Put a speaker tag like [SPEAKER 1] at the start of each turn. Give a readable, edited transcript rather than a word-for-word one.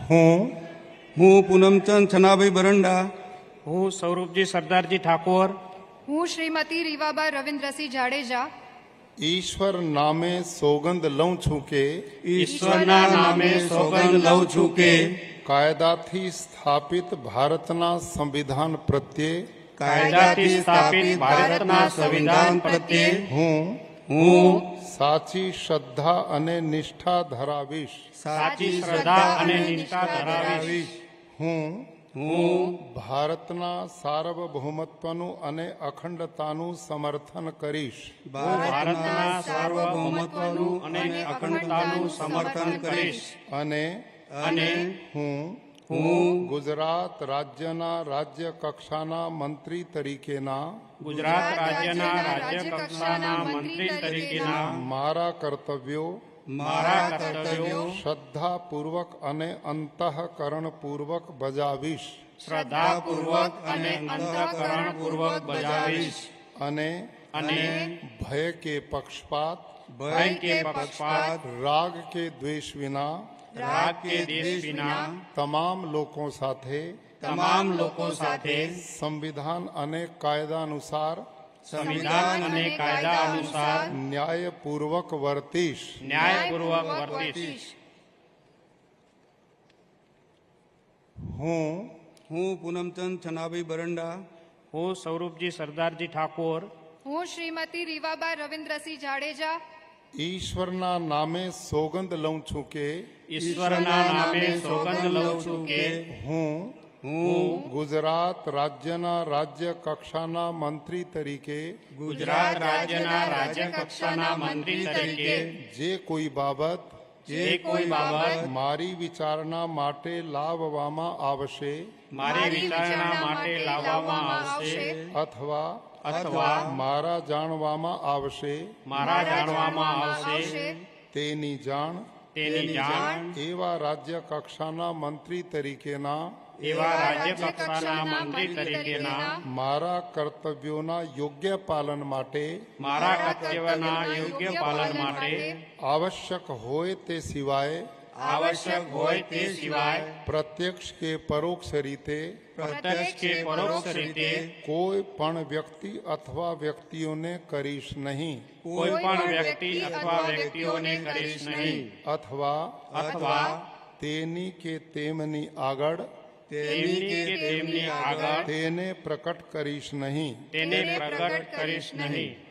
[SPEAKER 1] હું પૂનમચંદ છનાભાઈ બરંડા,
[SPEAKER 2] હું સ્વરૂપજી સરદારજી ઠાકોર,
[SPEAKER 3] હું શ્રીમતી રીવાબા રવિન્દ્રસિંહ જાડેજા
[SPEAKER 4] ઈશ્વર નામે સોગંદ લઉં છું કે
[SPEAKER 1] ઈશ્વરના નામે સોગંદ લઉં છું કે
[SPEAKER 4] કાયદાથી સ્થાપિત ભારતના સંવિધાન પ્રત્યે
[SPEAKER 2] કાયદાથી સ્થાપિત ભારતના સંવિધાન પ્રત્યે
[SPEAKER 1] હું
[SPEAKER 4] સાચી શ્રદ્ધા અને નિષ્ઠા ધરાવીશ.
[SPEAKER 2] સાચી શ્રદ્ધા અને નિષ્ઠા ધરાવીશ.
[SPEAKER 4] હું
[SPEAKER 1] હું
[SPEAKER 4] ભારતના સાર્વભૌમત્વનું અને અખંડતાનું સમર્થન કરીશ.
[SPEAKER 1] ભારતના સાર્વભૌમત્વનું અને અખંડતાનું સમર્થન કરીશ
[SPEAKER 4] અને હું ગુજરાત રાજ્યના રાજ્ય કક્ષાના મંત્રી તરીકેના
[SPEAKER 2] ગુજરાત રાજ્યના રાજ્ય કક્ષાના મંત્રી તરીકેના
[SPEAKER 4] મારા કર્તવ્યો શ્રદ્ધાપૂર્વક અને અંતઃકરણપૂર્વક બજાવીશ.
[SPEAKER 2] શ્રદ્ધાપૂર્વક અને અંતઃકરણપૂર્વક બજાવીશ.
[SPEAKER 4] અને ભય કે પક્ષપાત રાગ કે દ્વેષ વિના તમામ લોકો સાથે સંવિધાન અને કાયદા અનુસાર ન્યાયપૂર્વક વર્તીશ. હું
[SPEAKER 1] પૂનમચંદ છનાભાઈ બરંડા,
[SPEAKER 2] હું સ્વરૂપજી સરદારજી ઠાકોર,
[SPEAKER 3] હું શ્રીમતી રીવાબા રવિન્દ્રસિંહ જાડેજા
[SPEAKER 4] ઈશ્વરના નામે સોગંદ લઉં છું કે
[SPEAKER 2] ઈશ્વરના નામે સોગંદ લઉં છું કે
[SPEAKER 4] હું ગુજરાત રાજ્યના રાજ્ય કક્ષાના મંત્રી તરીકે
[SPEAKER 2] ગુજરાત રાજ્યના રાજ્ય કક્ષાના મંત્રી તરીકે
[SPEAKER 4] જે કોઈ બાબત મારી વિચારણા માટે લાવવામાં આવશે અથવા મારા જાણવામાં આવશે તેની જાણ એવા રાજ્ય કક્ષાના મંત્રી તરીકેના મારા કર્તવ્યોના યોગ્ય પાલન માટે આવશ્યક હોય તે સિવાય પ્રત્યક્ષ કે પરોક્ષ રીતે કોઈ પણ વ્યક્તિ અથવા વ્યક્તિઓને કરીશ નહીં. અથવા તેની કે તેમની આગળ તેને પ્રકટ કરીશ નહીં.